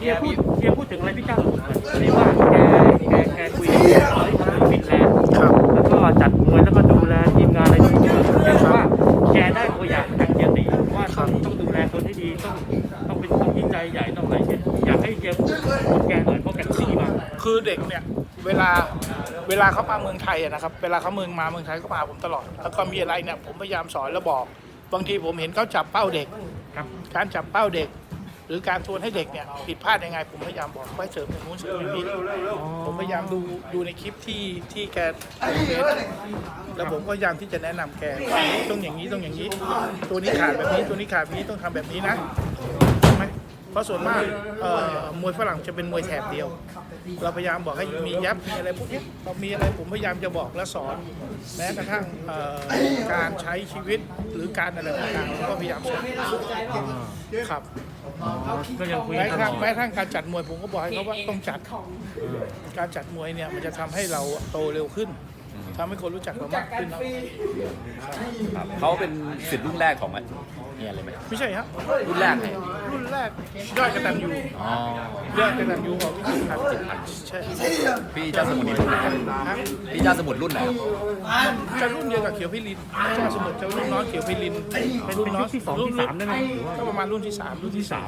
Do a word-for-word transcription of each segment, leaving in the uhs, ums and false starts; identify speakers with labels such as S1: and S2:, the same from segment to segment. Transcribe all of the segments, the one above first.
S1: ฮียพูดเฮียพูดถึงอะไรพี่เจ้าสมุทรหน่อยอันนี้ว่าแกแกแกคุยกับฟินแลนด์แล้วก็จัดมวยแล้วก็ดูแลทีมงานอะไรทุกอย่างเรียกว่าแกได้ตัวอย่างจากเฮียตีว่าต้องต้องดูแลคนที่ดีต้องต้องเป็นคนที่ใจใหญ่ต้องอะไรเงี้ยอยากให้เฮียพูดถึงแกหน่อยเพราะแกพูดดีมาก
S2: คือเด็กเนี่ยเวลาเวลาเขามาเมืองไทยอะนะครับเวลาเขาเมืองมาเมืองไทยก็มาผมตลอดแล้วก็มีอะไรเนี่ยผมพยายามสอนแล้วบอกบางทีผมเห็นเขาจับเป้าเด็ก
S1: ครับ
S2: การจับเป้าเด็ก หรือการทวนให้เด็กเนี่ยผิดพลาดยังไงผมพยายามบอกไว้เสริมอย่างนู้นเสริมอย่างนี้ผมพยายามดูดูในคลิปที่ที่แกเฟซแล้วผมก็พยายามที่จะแนะนำแกต้องอย่างนี้ต้องอย่างนี้ ตัวนี้ขาดแบบนี้ตัวนี้ขาดแบบนี้ต้องทำแบบนี้นะใช่ไหมเพราะส่วนมากเอ่อมวยฝรั่งจะเป็นมวยแถบเดียว เราพยายามบอกให้มียับมีอะไรพวกนี้เรามีอะไรผมพยายามจะบอกและสอน แม้กระทั่งเอ่อการใช้ชีวิตหรือการอะไรต่างๆผมก็พยายามสอนครับ
S1: ก็ยังคุย
S2: แม้
S1: กัน
S2: กระทั่ง
S1: ตลอด
S2: แม้กระทั่งการจัดมวยผมก็บอกให้เขาว่าต้องจัด การจัดมวยเนี่ยมันจะทำให้เราโตเร็วขึ้นทำให้คนรู้จักเรามากขึ้น
S3: ครับเขาเป็นศิษย์รุ่นแรกของเนี่ยเลยไหม
S2: ไม่ใช่ฮะ
S3: รุ่นแรกไง
S2: รุ่นแรกยอดกระตันยู
S3: อ๋อย
S2: อดกระตันยูของวิจิตรพันธ์จิตพันธ์ใช่
S3: พี่เจ้าสมุทรนี่รุ่นไหนครับ
S2: ฮะ
S3: พี่เจ้าสมุทรรุ่นไหนครับ
S2: จะรุ่นเดียวกับเขียวพิรินเจ้าสมุทรจะรุ่นน้องเขียวพิริน
S1: เป็น
S2: รุ่น
S1: เป็น
S2: น้อ
S1: ยุ
S2: ง
S1: คที่สองที่สามได้ไหมหรือว่า
S2: ก็ประมาณรุ่นที่สามรุ่นที่สาม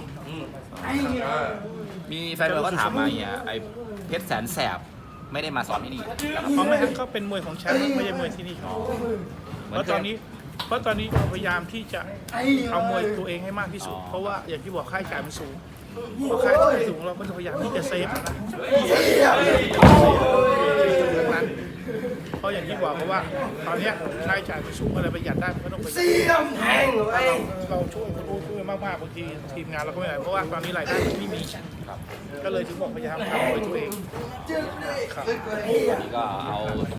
S3: มีแฟนมวยก็ถามมาเนี่ยไอ้เพชรแสนแสบไม่ได้มาสอนที่นี่นะครับ
S2: เพราะไม่งั้นก็เป็นมวยของแชมป์ไม่ใช่มวยที่นี่ครับ
S3: เห
S2: เพ
S3: มือน
S2: ราะ
S3: เค
S2: ตอย นนี้เพราะตอนนี้เราพยายามที่จะเอามวยตัวเองให้มากที่สุด เพราะว่าอย่างที่บอกค่าใช้จ่ายมันสูงพอค่าใช้จ่ายสูงเราก็จะพยายามที่จะเซฟนะนั้นเพราะอย่างที่บอกเพราะว่าตอนเนี้ยค่าใช้จ่ายมันสูงอะไรประหยัดได้มันก็ต้องประหยัดเราเราช่วยคนรู้ช่วยมากๆบางทีทีมงานเราก็ไม่ได้เพราะว่าตอนนี้รายได้มันไม่มีก็เลยถึงบอกพยายามทำมวยตัวเองครับ
S3: นี่ก็เอา